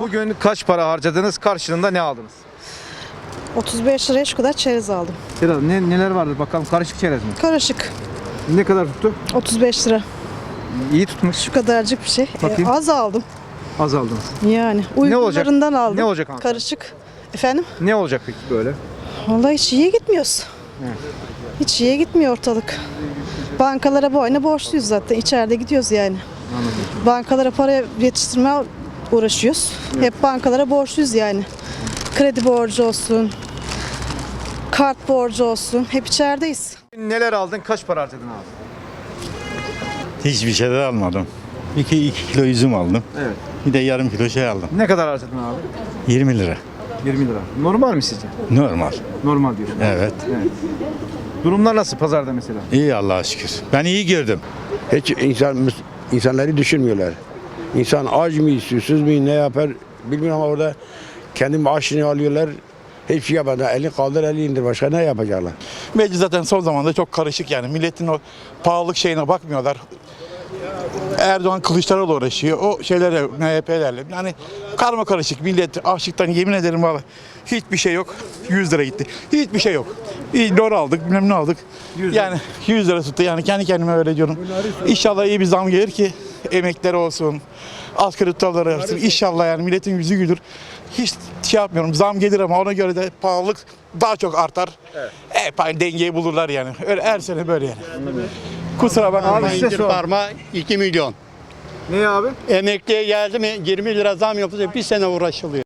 Bugün kaç para harcadınız? Karşılığında ne aldınız? 35 liraya şu kadar çerez aldım. Biraz neler vardı bakalım, karışık çerez mi? Karışık. Ne kadar tuttu? 35 lira. İyi tutmuş. Şu kadarcık bir şey. Bakayım. Az aldım. Az aldınız. Yani Ne olacak? uygunlarından aldım. Ne olacak hanımefendi? Karışık. Efendim? Ne olacak peki böyle? Vallahi hiç iyiye gitmiyoruz. Evet. Hiç iyiye gitmiyor ortalık. Bankalara boyuna borçluyuz zaten. İçeride gidiyoruz yani. Anladım. Bankalara para yetiştirmeye uğraşıyoruz. Hep bankalara borçluyuz yani. Kredi borcu olsun, kart borcu olsun. Hep içerideyiz. Neler aldın? Kaç para harcadın abi? Hiçbir şeyler almadım. 2 kilo üzüm aldım. Evet. Bir de yarım kilo şey aldım. Ne kadar harcadın abi? 20 lira. 20 lira. Normal mi sizce? Normal. Normal diyorsun. Evet. Evet. Durumlar nasıl pazarda mesela? İyi Allah'a şükür. Ben iyi gördüm. Hiç insanları düşünmüyorlar. İnsan aç mı, susuz mu, ne yapar bilmiyorum ama orada kendi maaşını alıyorlar. Hiçbir şey yapmadan eli kaldır eli indir, başka ne yapacaklar? Meclis zaten son zamanda çok karışık yani. Milletin o pahalılık şeyine bakmıyorlar. Erdoğan Kılıçdaroğlu uğraşıyor. O şeylerle, MHP'lerle. Yani karma karışık. Millet açlıktan yemin ederim valla. Hiçbir şey yok. 100 lira gitti. Hiçbir şey yok. Bir lor aldık, bilmem ne aldık. 100 lira. Yani 100 lira tuttu. Yani kendi kendime öyle diyorum. İnşallah iyi bir zam gelir ki emekler olsun. Asgari tutarları artsın. İnşallah yani milletin yüzü gülür. Hiç şey yapmıyorum. Zam gelir ama ona göre de pahalılık daha çok artar. Hep aynı dengeyi bulurlar yani. Öyle her sene böyle yani. Kusura bakmayın. Abi size sor. Parma 2 milyon. Ne abi? Emekliye geldi mi 20 lira zam yapılacak, bir sene uğraşılıyor.